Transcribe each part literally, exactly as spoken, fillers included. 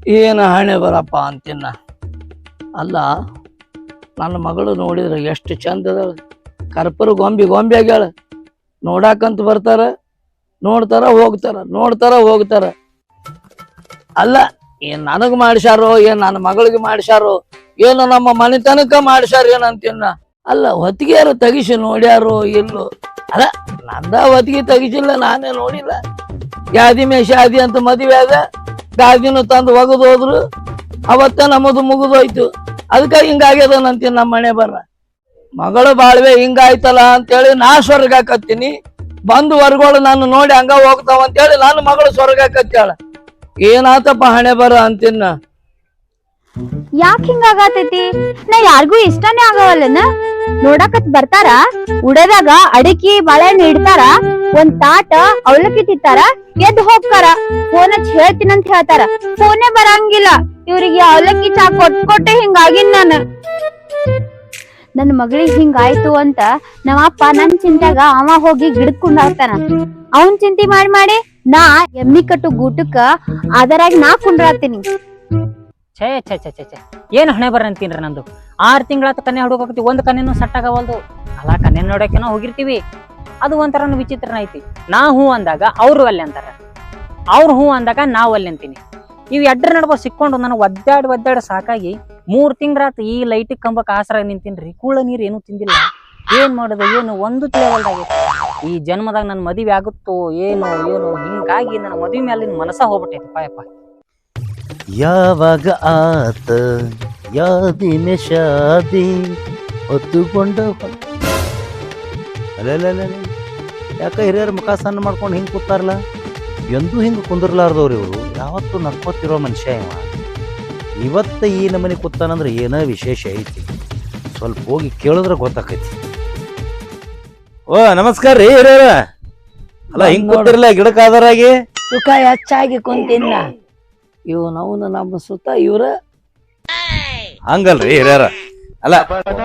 ಏನು ಹಣೆ ಬರಪ್ಪ ಅಂತಿನ್ನ. ಅಲ್ಲ, ನನ್ನ ಮಗಳು ನೋಡಿದ್ರೆ ಎಷ್ಟು ಚಂದ ಅದಾಳ. ಕರ್ಪೂರ ಗೊಂಬಿ ಗೊಂಬಿ ಆಗ್ಯಾಳ. ನೋಡಾಕಂತ ಬರ್ತಾರ, ನೋಡ್ತಾರ ಹೋಗ್ತಾರ, ನೋಡ್ತಾರ ಹೋಗ್ತಾರ. ಅಲ್ಲ, ಏನ್ ನನಗ್ ಮಾಡ್ಸ್ಯಾರೋ ಏನ್ ನನ್ನ ಮಗಳಿಗೆ ಮಾಡ್ಸ್ಯಾರೋ ಏನು ನಮ್ಮ ಮನೆತನಕ ಮಾಡ್ಸ್ಯಾರ ಏನಂತಿನ್ನ. ಅಲ್ಲ, ಹೊತ್ತಿಗೆಯಾರು ತೆಗಿಸಿ ನೋಡ್ಯಾರೋ ಇಲ್ಲೋ. ಅಲ್ಲ, ನಂದ ಹೊತ್ತಿಗೆ ತೆಗಿಸಿಲ್ಲ, ನಾನೇ ನೋಡಿಲ್ಲ. ಯಾದಿ ಮೇ ಶಾದಿ ಅಂತ ಮದುವೆ ಆದ, ಗಾದಿನೂ ತಂದು ಒಗದು ಹೋದ್ರು. ಅವತ್ತ ನಮ್ಮದು ಮುಗಿದೋಯ್ತು. ಅದಕ್ಕ ಹಿಂಗಾಗ್ಯದ ನಂತೀನಿ ನಮ್ಮ ಮನೆ ಬರ್ರ. ಮಗಳು ಬಾಳ್ವೆ ಹಿಂಗಾಯ್ತಲ್ಲ ಅಂತೇಳಿ ನಾ ಸ್ವರ್ಗ ಹಾಕತ್ತೀನಿ. ಬಂದು ವರ್ಗಳು ನಾನು ನೋಡಿ ಹಂಗ ಹೋಗ್ತಾವ ಅಂತೇಳಿ ನಾನು ಮಗಳು ಸ್ವರ್ಗ ಹಾಕತ್ತಾಳ. ಏನಾತಪ್ಪ ಹಣೆ ಬರ ಅಂತಿನ್ನ. ಯಾಕ ಹಿಂಗಾಗತೈತಿ? ನಾ ಯಾರಿಗೂ ಇಷ್ಟನೇ ಆಗವಲ್ಲನ. ನೋಡಕತ್ ಬರ್ತಾರ, ಉಡದಾಗ ಅಡಿಕಿ ಬಾಳೆಹಣ್ಣು ಇಡ್ತಾರ, ಒಂದ್ ತಾಟ ಅವಲಕ್ಕಿ ತಿಂತಾರ, ಎದ್ ಹೋಗ್ತಾರ. ಫೋನ್ ಹಚ್ಚಿ ಹೇಳ್ತೀನಂತ ಹೇಳ್ತಾರ, ಫೋನೇ ಬರಂಗಿಲ್ಲ. ಇವ್ರಿಗೆ ಅವಲಕ್ಕಿ ಚಾ ಕೊಟ್ ಕೊಟ್ಟೆ ಹಿಂಗಾಗಿನ್ ನಾನು. ನನ್ ಮಗಳಿಗೆ ಹಿಂಗಾಯ್ತು ಅಂತ ನಮ್ಮ ಅಪ್ಪ ನನ್ ಚಿಂತ್ಯಾಗ ಅವ ಹೋಗಿ ಗಿಡಕ್ ಕುಂಡಾಡ್ತಾನ. ಅವನ್ ಚಿಂತೆ ಮಾಡಿ ಮಾಡಿ ನಾ ಎಮ್ಮಿ ಕಟ್ಟು ಗೂಟಕ್ಕ ಅದರಾಗಿ ನಾ ಕುಂಡ್ರಾತೀನಿ. ಛೇ ಛೇ ಛೇ ಛೇ ಛೇ ಏನ್ ಹಣೆ ಬರ ಅಂತೀನ್ರಿ ನಂದು. ಆರ್ ತಿಂಗಳಾತ ಕನ್ನೆ ಹುಡುಕೋಕತಿ, ಒಂದ್ ಕನ್ನೆನೂ ಸೆಟ್ ಆಗವಲ್ದು. ಅಲ್ಲ, ಕನ್ನೆ ನೋಡೋಕೆನೋ ಹೋಗಿರ್ತೀವಿ, ಅದು ಒಂಥರ ವಿಚಿತ್ರನ ಐತಿ. ನಾ ಹೂ ಅಂದಾಗ ಅವ್ರು ಅಲ್ಲಿ ಅಂತಾರ, ಅವ್ರು ಹೂ ಅಂದಾಗ ನಾವು ಅಲ್ಲಿ ಅಂತೀನಿ. ಇವ್ ಎಡ್ರ ನಡುವ ಸಿಕ್ಕೊಂಡು ನನಗೆ ಒದ್ದಾಡಿ ಒದ್ದಾಡಿ ಸಾಕಾಗಿ ಮೂರ್ ತಿಂಗಳಾತ ಈ ಲೈಟ್ ಕಂಬಕ್ ಆಸರ ನಿಂತೀನ್ರಿ. ಕೂಳ ನೀರ್ ಏನು ತಿಂದಿಲ್ಲ. ಏನ್ ಮಾಡೋದು ಏನು ಒಂದು ತಿಳಿಯವಲ್ದಾಗೈತಿ. ಈ ಜನ್ಮದಾಗ ನನ್ ಮದುವೆ ಆಗುತ್ತೋ ಏನೋ ಏನೋ ಹಿಂಗಾಗಿ ನನ್ನ ಮದುವೆ ಮೇಲಿನ ಮನಸ್ಸ ಹೋಗ್ಬಿಟ್ಟೈತಿ ಪಾಯಪ್ಪ. ಯಾವಾಗ ಆತ ಯಾದಿನ ಶಾದಿ ಹೊತ್ತುಕೊಂಡ ಅಲ್ಲ, ಯಾಕ ಹಿರಿಯರ ಮುಖ ಸಣ್ಣ ಮಾಡ್ಕೊಂಡು ಹಿಂಗೆ ಕೂತಾರಲ್ಲ? ಎಂದೂ ಹಿಂಗೆ ಕುಂದಿರ್ಲಾರ್ದವ್ರು ಇವರು. ಯಾವತ್ತೂ ನಕ್ಕೋತಿರೋ ಮನುಷ್ಯ ಇವ. ಇವತ್ತ ಈ ನಮನೆ ಕೂತಾನಂದ್ರೆ ಏನೋ ವಿಶೇಷ ಐತಿ. ಸ್ವಲ್ಪ ಹೋಗಿ ಕೇಳಿದ್ರೆ ಗೊತ್ತಾಕೈತಿ. ಓ ನಮಸ್ಕಾರ ರೀ ಹಿರಿಯರ. ಅಲ್ಲ, ಹಿಂಗ್ ಕೂತಿರ್ಲ ಗಿಡಕ್ಕೆ ಆಧಾರಾಗಿ ಸುಖ ಹೆಚ್ಚಾಗಿ ಕುಂತಿನ್ನ. ಇವ್ ನಾವು ನಮ್ಮ ಸುತ್ತ ಇವ್ರ ಹಂಗಲ್ರಿ ಹಿರಿಯರ. ಅಲ್ಲ,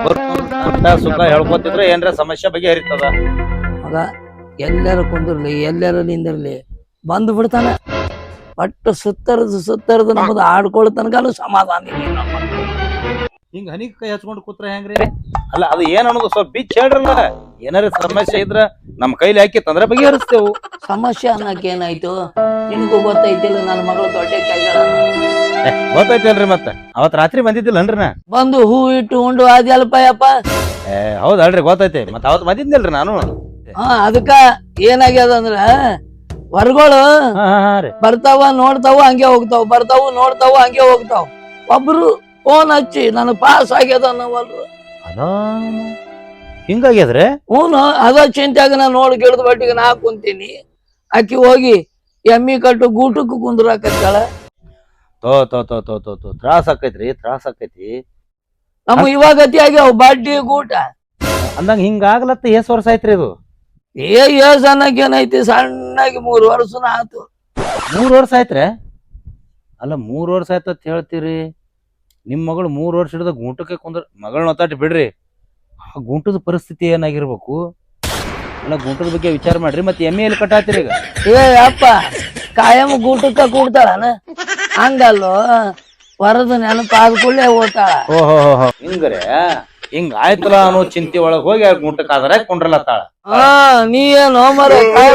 ಸುಖ ಹೇಳ್ಕೊತಿದ್ರೆ ಏನ್ರ ಸಮಸ್ಯೆ ಬಗ್ಗೆ ಹರಿತದ. ಮಗ ಎಲ್ಲಾರು ಕುಂದಿರ್ಲಿ, ಎಲ್ಲಾರು ನಿಂದಿರ್ಲಿ, ಬಂದು ಬಿಡ್ತಾನ. ಒಟ್ಟು ಸುತ್ತರದು ಸುತ್ತರದು ನಮ್ಮದು ಆಡ್ಕೊಳ್ಳೋ ತನಕನು ಸಮಾಧಾನ ಇಲ್ಲ. ಹಿಂಗ ಹನಿ ಕೈ ಹಚ್ಕೊಂಡು ಕೂತ್ರ ಹೆಂಗ್ರಿ? ಅಲ್ಲ, ಅದು ಏನ್ ಅನ್ನೋದು ಸ್ವಲ್ಪ ಬಿಚ್ಚ ಹೇಳ್ರಲ್ಲ. ಏನಾರ ಸಮಸ್ಯೆ ಇದ್ರ ನಮ್ ಕೈಲಿ ಹಾಕಿ ತಂದ್ರೆ ಬಗೆಹರಿಸ್ತೇವು. ಸಮಸ್ಯೆ ಅನ್ನಕ್ ಏನಾಯ್ತು? ನಿನಗೂ ಗೊತ್ತೈತಿಲ್ಲ, ನನ್ನ ಮಗಳು ದೊಡ್ಡ ಕೈಗಳ ಗೊತ್ತೈತಲ್ರಿ. ಮತ್ತ ಅವತ್ ರಾತ್ರಿ ಬಂದಿದ್ದಿಲ್ಲನ್ರಿ ನಾ? ಬಂದು ಹೂ ಇಟ್ಟು ಉಂಡು ಅದ್ಯಲ್ಪಯ್ಯಪ್ಪ. ಏ ಹೌದಲ್ರಿ, ಗೊತ್ತೈತಿ. ಮತ್ತ ಅವತ್ ಬಂದಿದ್ನಲ್ರಿ ನಾನು. ಹಾ, ಅದಕ್ಕ ಏನಾಗ್ಯದ ಅಂದ್ರ ಹೊರಗಳು ಬರ್ತಾವ ನೋಡ್ತಾವ ಹಂಗೆ ಹೋಗ್ತಾವ, ಬರ್ತಾವ ನೋಡ್ತಾವ ಹಂಗೆ ಹೋಗ್ತಾವ. ಒಬ್ರು ಫೋನ್ ಹಚ್ಚಿ ನನಗ್ ಪಾಸ್ ಆಗ್ಯದ ಅನ್ನವಲ್ರು. ಅದ ಹಿಂಗಾಗ್ಯದ್ರೆ ಹೂನು ಅದ ಚಿಂತ್ಯಾಗ ನಾ ನೋಡಿ ಗಿಡದ ಬಟ್ಟಿಗೆ ನಾ ಕುಂತೀನಿ. ಆಕಿ ಹೋಗಿ ಎಮ್ಮಿ ಕಟ್ಟು ಗೂಟಕ್ಕೂ ಕುಂದ್ರಾಕತ್ತಾಳ. ತೋ ತೋ ತೋ ತೋ ತೋ ತೋ ತ್ರಾಸ ಆಕೈತ್ರಿ, ತ್ರಾಸ ಆಕೈತಿ. ನಮ್ಮ ಇವಾಗ ಗತಿ ಆಗ್ಯಾವ ಬಡ್ಡಿ ಗೂಟ ಅಂದಂಗ ಹಿಂಗಾಗ್ಲತ್ತ ಎಷ್ಟ್ ವರ್ಷ ಆಯ್ತ್ರಿ ಇದು? ಏ ಏಸ್ ಅನ್ನಕ್ ಏನೈತಿ, ಸಣ್ಣಾಗಿ ಮೂರ್ ವರ್ಷನ ಆತು. ಮೂರ್ ವರ್ಷ ಆಯ್ತ್ರೆ? ಅಲ್ಲ, ಮೂರ್ ವರ್ಷ ಆಯ್ತತ್ ಹೇಳ್ತೀರಿ. ನಿಮ್ ಮಗಳು ಮೂರ್ ವರ್ಷ ಹಿಡಿದ ಗುಂಟಕ್ಕೆ ಕುಂದ್ರ ಮಗಳನ್ನ ಒತ್ತಾಟಿ ಬಿಡ್ರಿ. ಆ ಗುಂಟದ ಪರಿಸ್ಥಿತಿ ಏನಾಗಿರ್ಬೇಕು? ಅಲ್ಲ, ಗುಂಟದ ಬಗ್ಗೆ ವಿಚಾರ ಮಾಡ್ರಿ. ಮತ್ತೆ ಎಮ್ಮೆ ಎಲ್ಲಿ ಕಟ್ಟಾತಿರಿ ಈಗ? ಏ ಅಪ್ಪ, ಕಾಯಂ ಗೂಟಕ್ಕ ಕೂಡ್ತಾಳನ? ಹಂಗಲ್ಲೋ, ವರದ ನೆನಪಾದ ಕೂಡಲೇ ಓದ್ತಾಳ. ಓಹೋ ಹಿಂಗ್ರೆ ಹಿಂಗ ಆಯ್ತಲ್ಲ ಅನ್ನೋ ಚಿಂತೆ ಒಳಗ್ ಹೋಗಿ ಆ ಗುಂಟಕ್ಕೆ ಆದ್ರೆ ಕುಂಡ್ರಲತ್ತಾಳ. ಹಾ, ನೀ ಏನು ಮರ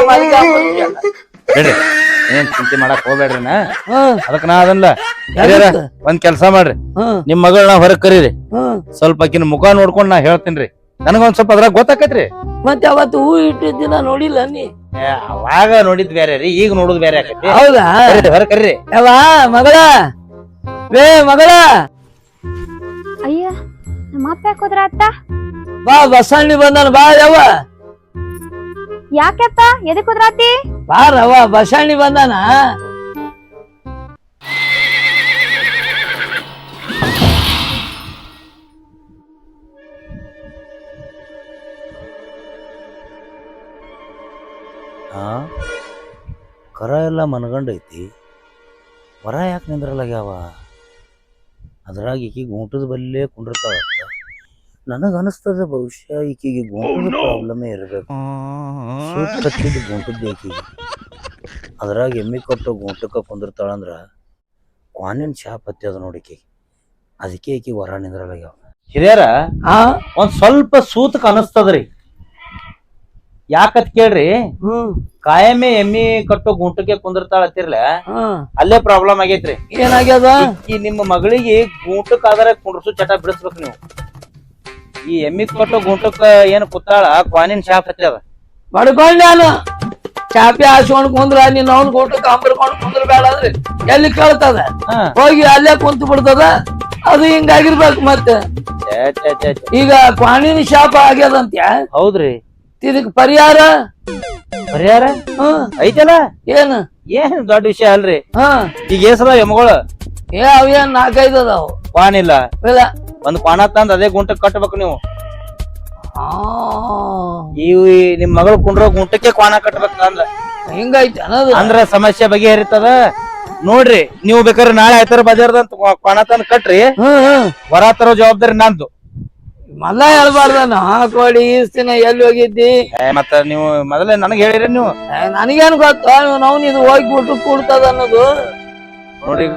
ಬಿಡ್ರಿ, ಏನ್ ಚಿಂತೆ ಮಾಡಕ್ ಹೋಗ್ಬೇಡ್ರಿನ. ಹ್ಮ್ ಅದಕ್ ನಾ ಅದನ್ಲ ಒಂದ್ ಕೆಲ್ಸ ಮಾಡ್ರಿ, ಹ್ಮ್ ನಿಮ್ ಮಗಳನ್ನ ಹೊರಗ್ ಕರೀರಿ. ಹ್ಮ್ ಸ್ವಲ್ಪ ಆಕಿನ ಮುಖ ನೋಡ್ಕೊಂಡ್ ನಾ ಹೇಳ್ತೀನ್ರಿ. ನನಗೊಂದ್ ಸ್ವಲ್ಪ ಅದ್ರಾಗ ಗೊತ್ತಾಕೈತ್ರಿ. ಮತ್ತೆ ಅವತ್ತು ಹೂ ಇಟ್ಟಿದ್ದ ದಿನ ನೋಡಿಲ್ಲ ನೀ? ಅವಾಗ ನೋಡಿದ್ ಬೇರೆ ರೀ, ಈಗ ನೋಡುದ್ ಬೇರೆ ಆಕೈತಿ. ಹೌದಾ? ಹೊರ ಕರೀರಿ. ಯವ್ವ ಮಗಳ, ಬೇ ಮಗಳ, ಅಯ್ಯ ನಮ್ಮ ಅಪ್ಪ ಯಾಕೆ ಹೋದ್ರ ಅತ್ತ? ಬಾ ಬಸಣ್ಣಿ ಬಂದನ, ಬಾ ಯವ್ವ. ಯಾಕೆಪ್ಪ ಎದಕ್ ಹೋದ್ರಾತಿ? ಬಾರವ್ವ, ಬಸಣ್ಣಿ ಬಂದಾನ. ಹಾ, ಕರ ಎಲ್ಲ ಮನಗಂಡೈತಿ. ವರ ಯಾಕೆ ನಿಂದ್ರಲಾಗ್ಯಾವ? ಅದ್ರಾಗ ಈಕಿಗೆ ಊಟದ ಬಲ್ಲೇ ಕುಂಡಿರ್ತಾಳ. ನನಗೆ ಅನಿಸ್ತದ ಬಹುಶಃ ಈಕಿಗೆ ಗೋಂಟದ ಪ್ರಾಬ್ಲಮೇ ಇರಬೇಕು. ಸೂಟ್ ಕಟ್ಟಿದ್ದು ಗೋಂಟದ್ದು ಈಕಿಗೆ. ಅದ್ರಾಗ ಎಮ್ಮಿ ಕೊಟ್ಟು ಗೋಂಟಕ್ಕೆ ಕುಂದಿರ್ತಾಳಂದ್ರ ಕ್ವಾನಿನ ಶಾಪ್ ಹತ್ತಿ ಅದ ನೋಡಿಕಿ ಅದಕ್ಕೆ ಈಕಿ ಹೊರ ನಿಂದ್ರಲಾಗ್ಯಾವ. ಹಿರಿಯರ ಹಾ ಒಂದ್ ಸ್ವಲ್ಪ ಸೂತಕ್ ಅನಸ್ತದ್ರಿ. ಯಾಕತ್ ಕೇಳ್ರಿ, ಹ್ಮ್ ಕಾಯಮೆ ಎಮ್ಮಿ ಕಟ್ಟೋ ಗುಂಟಕ್ಕೆ ಕುಂದಿರ್ತಾಳ ಹತ್ತಿರ್ಲ ಹ್ಮ್ ಅಲ್ಲೇ ಪ್ರಾಬ್ಲಮ್ ಆಗೈತ್ರಿ. ಏನಾಗ್ಯದ? ಈ ನಿಮ್ಮ ಮಗಳಿಗೆ ಗುಂಟಕ್ ಆದ್ರೆ ಕುಂಡ್ರಸು ಚಟ ಬಿಡಿಸ್ಬೇಕು ನೀವು. ಈ ಎಮ್ಮಿ ಕಟ್ಟೋ ಗುಂಟಕ್ಕ ಏನ್ ಕೂತಾಳ ಕ್ವಾನಿನ ಶಾಪ್ ಹತ್ತಿ ಅದ. ಬಡ್ಕೊಂಡ್ ನಾನು ಚಾಪಿ ಹಾಸ್ಕೊಂಡ್ ಕುಂದ್ರ ನೀನ್ ಅವ್ನ ಊಟಕ್ಕೆ ಅಂಬರ್ಕೊಂಡ್ ಕುಂದ್ರ ಬೇಡ ಅಂದ್ರೆ ಎಲ್ಲಿ ಕೇಳ್ತದ? ಹಾ. ಹೋಗಿ ಅಲ್ಲೇ ಕುಂತು ಬಿಡ್ತದ. ಅದು ಹಿಂಗಾಗಿರ್ಬೇಕು. ಮತ್ತೆ ಛೇ, ಛೇ, ಛೇ, ಛೇ. ಈಗ ಕ್ವಾಣಿನ ಶಾಪ ಆಗ್ಯದಂತ್ಯ, ಹೌದ್ರಿ. ಇದಕ್ ಪರಿಹಾರ ಪರಿಹಾರ ಹ್ಮ್ ಐತಲ್ಲ. ಏನು? ಏನ್ ದೊಡ್ಡ ವಿಷಯ ಅಲ್ರಿ. ಹಾ ಈಗ ಏಸದ ಎಮ್ಮಗಳು ಏ ಅವೇನ್ ನಾಲ್ಕೈದು ಅದಾವ. ಕ್ವಾನ್ ಇಲ್ಲ, ಇಲ್ಲ ಒಂದ್ ಕ್ವಾಣ ತಂದ್ ಅದೇ ಗುಂಟಕ್ ಕಟ್ಬೇಕು ನೀವು. ಆ, ಈ ನಿಮ್ ಮಗಳು ಕುಂಡ್ರೋ ಗುಂಟಕ್ಕೆ ಕ್ವಾಣ ಕಟ್ಬೇಕು ಅಂದ್ರ ಹಿಂಗೈತಿ ಅನ್ನೋದು. ಅಂದ್ರ ಸಮಸ್ಯೆ ಬಗೆಹರಿತದ ನೋಡ್ರಿ. ನೀವು ಬೇಕಾದ್ರೆ ನಾಳೆ ಆಯ್ತಾರ ಬಜಾರ್ದಂತ ಕ್ವಾಣ ತಂದ್ ಕಟ್ರಿ. ಹ್ಮ್ ಹ್ಮ್ ಹೊರ ತರೋ ಜವಾಬ್ದಾರಿ ನಂದು. ಮಲ್ಲ ಹೇಳ್ಬಾರ್ದ ನಾ ಕೊಡಿ ಈಸ್ತಿನ ಎಲ್ಲಿ ಹೋಗಿದ್ದಿ? ಏ, ಮತ್ತ ನೀವು ಮೊದಲೇ ನನಗ್ ಹೇಳಿರಿ ನೀವು. ಏ, ನನಗೇನ್ ಗೊತ್ತ ನಾವು ಇದು ಹೋಗಿ ಊಟಕ್ಕೆ ಕೂಡ್ತದ ಅನ್ನೋದು. ನೋಡ್ರಿ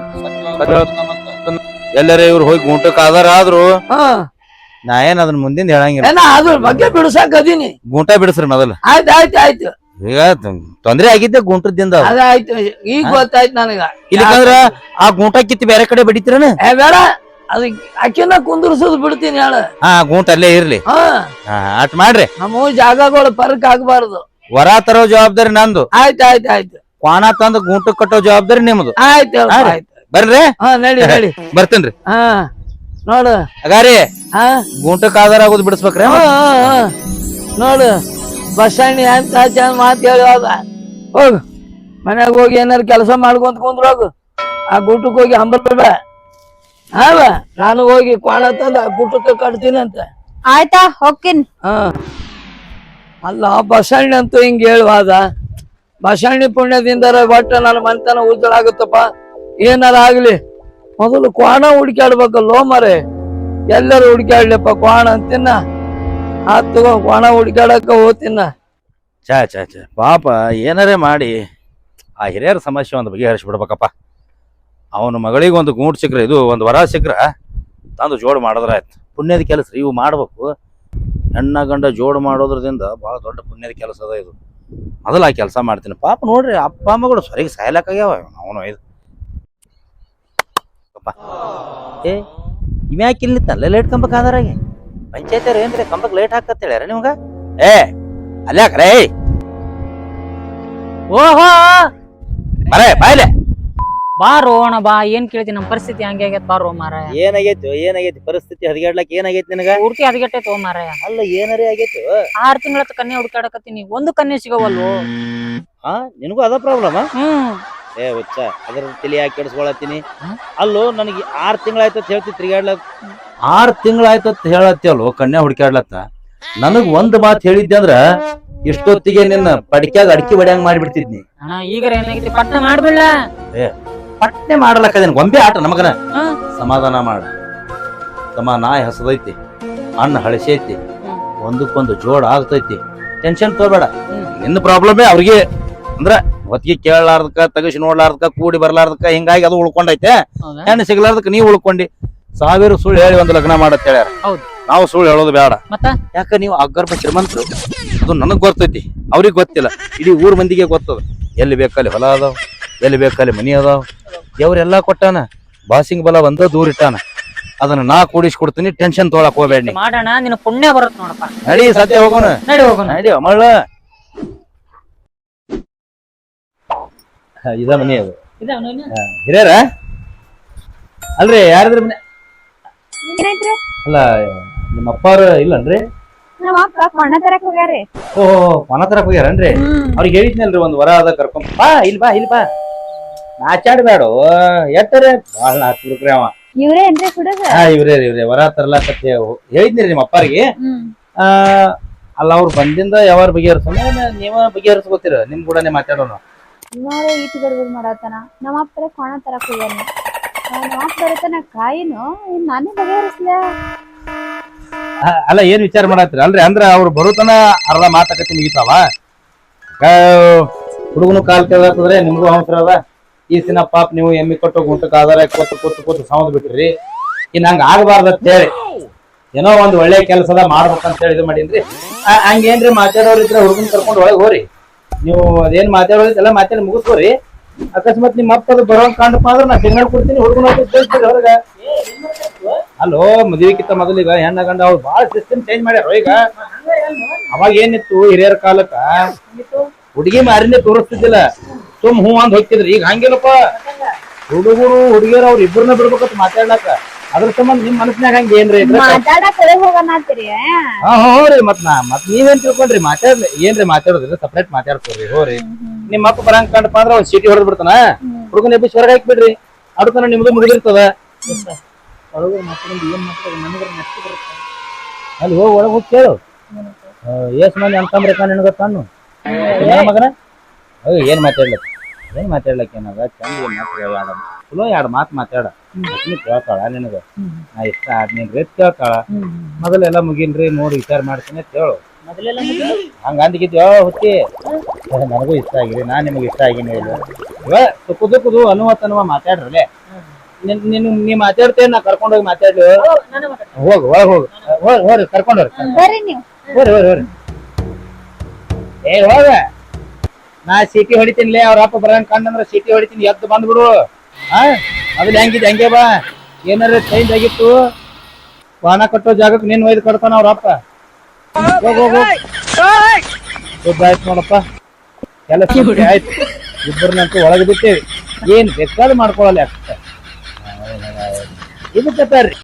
ಎಲ್ಲರೇ ಇವ್ರು ಹೋಗಿ ಗುಂಟಕ್ ಆಧಾರ ಆದ್ರು ಹಾ ನಾ ಏನ್ ಅದನ್ನ ಮುಂದಿನ ಹೇಳಂಗಿಲ್ಲ. ಏನ ಅದ್ರ ಬಗ್ಗೆ ಬಿಡ್ಸಾಕ್ ಅದೀನಿ. ಗುಂಟ ಬಿಡಿಸ್ರಿ ಮೊದಲ. ಆಯ್ತು ಆಯ್ತು ಆಯ್ತು. ಈಗ ತೊಂದ್ರೆ ಆಗಿದ್ದೆ ಗುಂಟದಿಂದ. ಅದಾಯ್ತು, ಈಗ ಗೊತ್ತಾಯ್ತು ನನಗ. ಇಲ್ಲಿಕಂದ್ರ ಆ ಗುಂಟ ಕಿತ್ತಿ ಬೇರೆ ಕಡೆ ಬಡಿತೀರನ? ಏ ಬೇಡ, ಅದ ಅಕ್ಕಿನ ಕುಂದ್ರಸೋದು ಬಿಡ್ತೀನಿ ಹೇಳ. ಹಾ, ಗುಂಟ ಅಲ್ಲೇ ಇರ್ಲಿ. ಹಾ ಅಟ್ ಮಾಡ್ರಿ. ನಮ್ಮ ಜಾಗಗಳು ಪರಕ್ ಆಗ್ಬಾರ್ದು. ಹೊರ ತರೋ ಜವಾಬ್ದಾರಿ ನಂದು. ಆಯ್ತು ಆಯ್ತು ಆಯ್ತು. ಕ್ವಾಣ ತಂದು ಗುಂಟ ಕಟ್ಟೋ ಜವಾಬ್ದಾರಿ ನಿಮ್ದು. ಆಯ್ತು ಆಯ್ತು. ಬರ್ರಿ. ಹಾ ನಡಿ ನಡಿ. ಬರ್ತೇನ್ರಿ. ಹಾ ನೋಡು ಅಗಾರಿ ಹಾ ಗುಂಟಕ್ ಆಧಾರ ಆಗೋದು ಬಿಡಿಸ್ಬೇಕ್ರಿ. ಹಾ, ಹಾ, ಹಾ. ನೋಡು ಬಸ್ಸಣ್ಣಿ ಅಂತ ಚಂದ ಮಾತು ಹೇಳುವಾಗ ಹೋಗು ಮನ್ಯಾಗ ಹೋಗಿ ಏನಾರು ಕೆಲಸ ಮಾಡ್ಕೊಂತ ಕುಂದ್ರೋಗು. ಆ ಗುಟ್ಟಕ್ಕೆ ಹೋಗಿ ಹಂಬರ್ಬೇಡ. ಹಾವ ನಾನು ಹೋಗಿ ಕ್ವಾಣ ತಂದು ಆ ಗುಟ್ಟಕ್ಕೆ ಕಟ್ತೀನಿ ಅಂತ. ಆಯ್ತಾ ಹೋಗ್ತೀನಿ. ಹಾ ಅಲ್ಲ ಬಸಣ್ಣಿ ಅಂತೂ ಹಿಂಗ ಹೇಳುವಾದ. ಬಸಣ್ಣಿ ಪುಣ್ಯದಿಂದರ ಒಟ್ಟ ನನ್ನ ಮನೆತನ ಉಜ್ಜಳ ಆಗುತ್ತಪ್ಪ. ಏನಾರ ಆಗ್ಲಿ ಮೊದಲು ಕ್ವಾಣ ಹುಡುಕ್ಯಾಡ್ಬೇಕಲ್ಲೋ ಮರೆ. ಎಲ್ಲರೂ ಹುಡುಕ್ಯಾಡ್ಲಿಪ್ಪ ಕ್ವಾಣ ಅಂತಿನ್ನ. ಆತ್ ತಗೋ ಕ್ವಾಣ ಹುಡುಕ್ಯಾಡಕ ಹೋಗ್ತಿನ್ನ. ಚಾ ಚಾ ಚಾ ಪಾಪ ಏನಾರೇ ಮಾಡಿ ಆ ಹಿರಿಯರ ಸಮಸ್ಯೆ ಒಂದು ಬಗೆಹರಿಸಿ ಬಿಡ್ಬೇಕಪ್ಪ. ಅವನ ಮಗಳಿಗೆ ಒಂದು ಗೂಂಟ್ ಸಿಕ್ಕ್ರೆ, ಇದು ಒಂದು ವರ ಸಿಕ್ಕ್ರ ತಂದು ಜೋಡು ಮಾಡಿದ್ರ ಆಯ್ತು. ಪುಣ್ಯದ ಕೆಲಸ ಇವು ಮಾಡ್ಬೇಕು. ಹೆಣ್ಣ ಗಂಡ ಜೋಡು ಮಾಡೋದ್ರದಿಂದ ಬಹಳ ದೊಡ್ಡ ಪುಣ್ಯದ ಕೆಲಸ ಅದ ಇದು. ಮೊದಲು ಆ ಕೆಲಸ ಮಾಡ್ತೀನಿ. ಪಾಪ ನೋಡ್ರಿ ಅಪ್ಪ ಅಮ್ಮಗಳು ಸರಿಗೆ ಸಾಯ್ಲಕ್ಕಾಗ್ಯಾವ. ಅವನು ಇದು ಅಪ್ಪ ಏ ಇವ್ಯಾಕೆ ಇಲ್ಲಿ ತಲೆ ಲೇಟ್ ಕಂಬಕ್ಕೆ ಆಧಾರಾಗೆ ಪಂಚಾಯತಿಯವ್ರು ಏನ್ರಿ ಕಂಬಕ್ಕೆ ಲೇಟ್ ಹಾಕತ್ ಹೇಳ್ಯಾರ ನಿಮ್ಗ? ಏ ಅಲ್ಯಾಕ್ರೇ ಓಹೋ ಬರೇ ಬಾಯ್ಲೆ ಬಾರೋ ಅಣ್ಣ ಬಾ. ಏನ್ ಕೇಳ್ತಿ, ನಮ್ ಪರಿಸ್ಥಿತಿ ಹಂಗೆ ಆಗೈತ್ ಬಾರೋ ಮಾರಾಯ. ಏನಾಗೈತಿ ಏನಾಗೈತಿ ಪರಿಸ್ಥಿತಿ ಹದಗೆಡ್ಲಕ್ ಏನಾಗೈತಿ ನಿನಗ? ಪೂರ್ತಿ ಹದಗೆಟ್ಟೈತೆ ಓ ಮಾರಾಯ. ಅಲ್ಲ ಏನಾರೇ ಆಗೈತಿ? ಆರ್ ತಿಂಗಳತ್ತ ಕನ್ಯೆ ಹುಡುಕಾಡಕತ್ತೀನಿ, ಒಂದು ಕನ್ಯೆ ಸಿಗವಲ್ಲು. ಹಾ ನಿನಗೂ ಅದ ಪ್ರಾಬ್ಲಮ್? ಹ್ಮ್ ಏ ಹುಚ್ಚ ಅದ್ರ ತಲೆ ಯಾಕೆ ಕೆಡಿಸ್ಕೊಳತ್ತೀನಿ? ಅಲ್ಲೋ ನನಗೆ ಆರ್ ತಿಂಗಳಾಯ್ತತ್ ಹೇಳ್ತಿ ತಿರ್ಗಾಡ್ಲಕ್. ಆರ್ ತಿಂಗಳಾಯ್ತತ್ ಹೇಳತ್ತಿ ಅಲ್ಲೋ ಕನ್ಯಾ ಹುಡುಕಾಡ್ಲತ್ತ. ನನಗ್ ಒಂದ್ ಮಾತು ಹೇಳಿದ್ದೆ ಅಂದ್ರ ಇಷ್ಟೊತ್ತಿಗೆ ನಿನ್ನ ಪಡಿಕ್ಯಾಗ ಅಡಿಕೆ ಬಡಿಯಂಗ್ ಮಾಡಿಬಿಡ್ತಿದ್ನಿ. ಅಣ್ಣ ಈಗ ಏನಾಗೈತಿ ಪಟ್ಟ ಮಾಡ್ಬಿಡ್ಲ. ಏ ಪಟ್ನೆ ಮಾಡ್ಲಕ್ಕದೇನ್ ಗೊಂಬೆ ಆಟ ನಮಗನ. ಹ್ಮ್. ಸಮಾಧಾನ ಮಾಡ ತಮ್ಮ. ನಾಯಿ ಹಸದೈತಿ, ಅಣ್ಣ ಹಳಸೈತಿ, ಒಂದಕ್ಕೊಂದು ಜೋಡ್ ಆಗ್ತೈತಿ. ಟೆನ್ಷನ್ ತಗೋಬೇಡ. ನಿನ್ನ ಪ್ರಾಬ್ಲಮೇ ಅವ್ರಿಗೆ ಅಂದ್ರ ಹೊತ್ತಿಗೆ ಕೇಳಲಾರ್ದಕ್ಕ ತಗಸಿ ನೋಡ್ಲಾರ್ದಕ್ಕ ಕೂಡಿ ಬರ್ಲಾರ್ದಕ್ಕ ಹಿಂಗಾಗಿ ಅದು ಉಳ್ಕೊಂಡೈತೆ. ಹೆಣ್ಣು ಸಿಗ್ಲಾರ್ದಕ್ಕ ನೀವು ಉಳ್ಕೊಂಡಿ. ಸಾವಿರ ಸುಳ್ಳು ಹೇಳಿ ಒಂದು ಲಗ್ನ ಮಾಡತ್ ಹೇಳ್ಯಾರ. ಹೌದು. ನಾವು ಸುಳ್ಳು ಹೇಳೋದು ಬೇಡ. ಮತ್ತ ಯಾಕ ನೀವು ಅಗರ್ಭ ಶ್ರೀಮಂತರು, ಅದು ನನಗ್ ಗೊತ್ತೈತಿ, ಅವ್ರಿಗೆ ಗೊತ್ತಿಲ್ಲ. ಇಡೀ ಊರ್ ಮಂದಿಗೆ ಗೊತ್ತದ. ಎಲ್ಲಿ ಬೇಕಲ್ಲಿ ಹೊಲ ಅದಾವ, ಎಲ್ಲಿ ಬೇಕಲ್ಲಿ ಮನಿ ಅದಾವ. ದೇವ್ರೆಲ್ಲಾ ಕೊಟ್ಟಾನ. ಬಾಸಿಂಗ್ ಬಲ ಒಂದ ದೂರ ಇಟ್ಟಾನ. ಅದನ್ನ ನಾ ಕೂಡಿಸ್ಕೊಡ್ತೀನಿ. ಟೆನ್ಷನ್ ತೊಗೊಳಕ್ ಹೋಗ್ಬೇಡಿ. ಮಾಡೋಣ, ನಿನ್ನ ಪುಣ್ಯ ಬರುತ್ತ ನೋಡಪ್ಪ. ನಡಿ ಸದ್ಯ ಹೋಗೋಣ. ನಡಿ ಹೋಗೋಣ. ನಡಿ ಅಮಳ. ಇದ ಮನಿ ಅದು ಹಿರಿಯರ ಅಲ್ರಿ? ಯಾರಿದ್ರ ಮನೆ? ಏನೈತ್ರಿ? ಅಲ್ಲ ನಿಮ್ಮ ಅಪ್ಪಾರ ಇಲ್ಲನ್ರಿ? ನಮ್ಮ ಅಪ್ಪ ಕೊಣ್ಣ ತರಕ್ ಹೋಗ್ಯಾರಿ. ಓಹೋ ಮನ ತರಕ್ ಹೋಗ್ಯಾರನ್ರಿ? ಅವ್ರಿಗೆ ಹೇಳಿದ್ನಲ್ರಿ ಒಂದ್ ವರ ಅದ ಕರ್ಕೊಂಡ್ ಬಾ. ಇಲ್ ಬಾ ಇಲ್ ಬಾ. ನಾಚಾಡ್ಬೇಡ ಎಟ್ಟರೆ ಬಾಳ ನಾಚ್ಬಿಡ್ಕ್ರಿ ಅವ. ಇವ್ರೇ ಏನ್ರಿ ಹುಡುಗ? ಹಾ ಇವ್ರೇ ಇವ್ರೇ ವರ ತರ್ಲಾಕತ್ತೆ ಹೇಳಿದ್ನಿರಿ ನಿಮ್ಮ ಅಪ್ಪಾರಿಗೆ. ಆ ಅಲ್ಲ ಅವ್ರು ಬಂದಿಂದ ಯಾವಾರ ಬಗೆಹರಿಸೋಣ, ನೀವ ಬಗೆಹರಿಸ್ಕೋತೀರ. ನಿಮ್ ಕೂಡನೆ ಮಾತಾಡೋಣ. ಇವಾಗ ಈಟ್ ಗಡ್ಬಡ್ ಮಾಡತ್ತಾನ. ನಮ್ಮ ಅಪ್ಪರ ಕೊಣ ತರಕ್ ಹೋಗ್ಯಾನ. ನಮ್ಮ ಅಪ್ಪ ಬರತನ ಕಾಯಿನು ಇನ್ ನಾನೇ ಬಗೆಹರಿಸ್ಲ. ಅಲ್ಲ ಏನ್ ವಿಚಾರ ಮಾಡತ್ತೀರ? ಅಲ್ರಿ ಅಂದ್ರ ಅವ್ರು ಬರುತನ ಅರ್ಧ ಮಾತಾಕತಿ ಮುಗಿತಾವ. ಹುಡುಗನು ಕಾಲ್ ಕೇಳಾಕಂದ್ರೆ ನಿಮ್ಗೂ ಅವಸರ ಅದ. ಈ ದಿನ ಪಾಪ ನೀವು ಎಮ್ಮಿ ಕೊಟ್ಟು ಗುಂಟಕ್ಕೆ ಆಧಾರ ಕೂತು ಕೂತು ಕೂತು ಸೌಂದ್ ಬಿಟ್ರಿ ಇನ್ ಹಂಗ ಆಗಬಾರ್ದು ಅಂತ ಹೇಳಿ ಏನೋ ಒಂದ್ ಒಳ್ಳೆ ಕೆಲಸದ ಮಾಡ್ಬೇಕಂತ ಹೇಳಿ ಇದು ಮಾಡೀನ್ರಿ ಆ- ಹಂಗೇನ್ರಿ ಮಾತಾಡೋರ್ ಇದ್ರೆ ಹುಡುಗನ್ ಕರ್ಕೊಂಡು ಒಳಗೆ ಹೋರಿ ನೀವು ಅದೇನ್ ಮಾತಾಡೋದಿಲ್ಲ ಮಾತಾಡಿ ಮುಗಿಸ್ಕೋರಿ ಅಕಸ್ಮಾತ್ ನಿಮ್ಮ ಅಪ್ಪ ಅದು ಬರೋಂಗ್ ಕಾಣಪ್ಪ ಅಂದ್ರೆ ನಾ ಸಿಗ್ನಲ್ ಕೊಡ್ತೀನಿ ಹುಡುಗನ ಹೊರಗ ಅಲ್ಲೋ ಮದುವೆಕ್ಕಿಂತ ಮೊದಲಿಗ ಹೆಣ್ಣ ಗಂಡ ಅವ್ರು ಬಾಳ ಸಿಸ್ಟಮ್ ಚೇಂಜ್ ಮಾಡ್ಯಾರ ಈಗ ಅವಾಗ ಏನಿತ್ತು ಹಿರಿಯರ ಕಾಲಕ್ಕ ಹುಡುಗಿ ಮಾರಿನೇ ತೋರಿಸ್ತಿದ್ದಿಲ್ಲ ಸುಮ್ ಹೂ ಅಂದ್ ಹೋಗ್ತಿದ್ರಿ ಈಗ ಹಂಗಿಲ್ಲಪ್ಪ ಹುಡುಗರು ಹುಡುಗಿಯರು ಅವ್ರ ಇಬ್ಬರನ್ನ ಬಿಡ್ಬೇಕಂತ ಮಾತಾಡ್ಲಾಕ ಅದ್ರ ಸಂಬಂಧ ನಿಮ್ ಮನಸ್ನ್ಯಾಗ ಹಂಗ ಏನ್ರಿ ಇದ್ರ ಮಾತಾಡಕ್ ಕಡೆ ಹೋಗಣತ್ತೀರಿ ಹಾ ಹೋರಿ ಮತ್ ನಾ ಮತ್ ನೀವೇನ್ ತಿಳ್ಕೊಂಡ್ರಿ ಮಾತಾಡ್ ಏನ್ರಿ ಮಾತಾಡೋದ್ರಿ ಸಪ್ರೇಟ್ ಮಾತಾಡ್ಕೋರಿ ಹೋರಿ ನಿಮ್ಮ ಅಪ್ಪ ಬರಂಗ್ ಕಂಡಪ್ಪ ಅಂದ್ರ ಒಂದ್ ಸೀಟಿ ಹೊಡೆದ್ ಬಿಡ್ತಾನ ಹುಡುಗನ ಎಬ್ಬಿಸಿ ಹೊರಗೆ ಹಾಕ್ಬಿಡ್ರಿ ಅಡ್ತನ ನಿಮ್ದು ಮುಗಿದಿರ್ತದ ಅಲ್ಲಿ ಹೋಗಿ ಒಳಗ್ ಹೋಗಿ ಕೇಳು ಎಸ್ ಮಂದಿ ಅನ್ಕಂಬ್ರಕ್ಕ ನಿನಗ ತಾನು ಮಗನ ಏನ್ ಮಾತಾಡ್ಲಕ್ ಏನ್ ಮಾತಾಡ್ಲಕ್ ಏನದ ಚಂದ ಏನ್ ಮಾತಾಡ ಚಲೋ ಎರಡು ಮಾತು ಮಾತಾಡ ಕೇಳ್ತಾಳ ನಿನಗ ನಾ ಇಷ್ಟ ಆದ್ ನೀನ್ ರೇಟ್ ಕೇಳ್ತಾಳ ಮೊದಲೆಲ್ಲ ಮುಗಿನ್ರಿ ನೋಡಿ ವಿಚಾರ ಮಾಡ್ತೀನಿ ಅಂತ ಹೇಳು ಹಂಗ ಅಂದಿಗಿದ್ಯೋ ಹುಟ್ಟಿ ನನಗೂ ಇಷ್ಟ ಆಗಿರಿ ನಾನ್ ನಿಮಗ್ ಇಷ್ಟ ಆಗಿನಿ ಇಲ್ಲ ಇವ ತುಕುದು ಕುದು ಅನುವತ್ ಅನ್ನುವ ಮಾತಾಡ್ರಲೆ ನಿನ್ ನಿನ್ ನೀ ಮಾತಾಡ್ತೇನೆ ನಾ ಕರ್ಕೊಂಡ್ ಹೋಗಿ ಮಾತಾಡ್ಲಿ ಹೋಗ್ ಒಳಗ್ ಹೋಗ್ ಹೋಗ್ ಹೋರಿ ಕರ್ಕೊಂಡ್ ಹೋರಿ ಬರ್ರಿ ನೀವು ಹೋರಿ ಹೋರಿ ಹೋರಿ ಏ ಹೋಗ ನಾ ಸೀಟಿ ಹೊಡಿತೀನಿಲೇ ಅವ್ರ ಅಪ್ಪ ಬರಂಗ್ ಕಂಡಂದ್ರ ಸೀಟಿ ಹೊಡಿತೀನಿ ಎದ್ದು ಬಂದ್ಬಿಡು ಹಾ ಅದ್ ಹೆಂಗಿದ್ ಹಂಗೆ ಬಾ ಏನಾರ ಚೇಂಜ್ ಆಗಿತ್ತು ವಾಹನ ಕಟ್ಟೋ ಜಾಗಕ್ಕೆ ನೀನ್ ಒಯ್ದು ಕಟ್ತಾನ ಅವ್ರ ಅಪ್ಪ ಹೋಗ್ ಹೋಗ್ ಹೋಗ್ ಶುದ್ಧ ಆಯ್ತು ನೋಡಪ್ಪ ಕೆಲಸ ಆಯ್ತು ಇಬ್ಬರನ್ನಂತೂ ಒಳಗೆ ಬಿಟ್ಟೇವಿ ಏನ್ ಬೇಕಾದ್ರೂ ಮಾಡ್ಕೊಳಲ್ಲ ಯಾಕ ಇದಕ್ಕೆ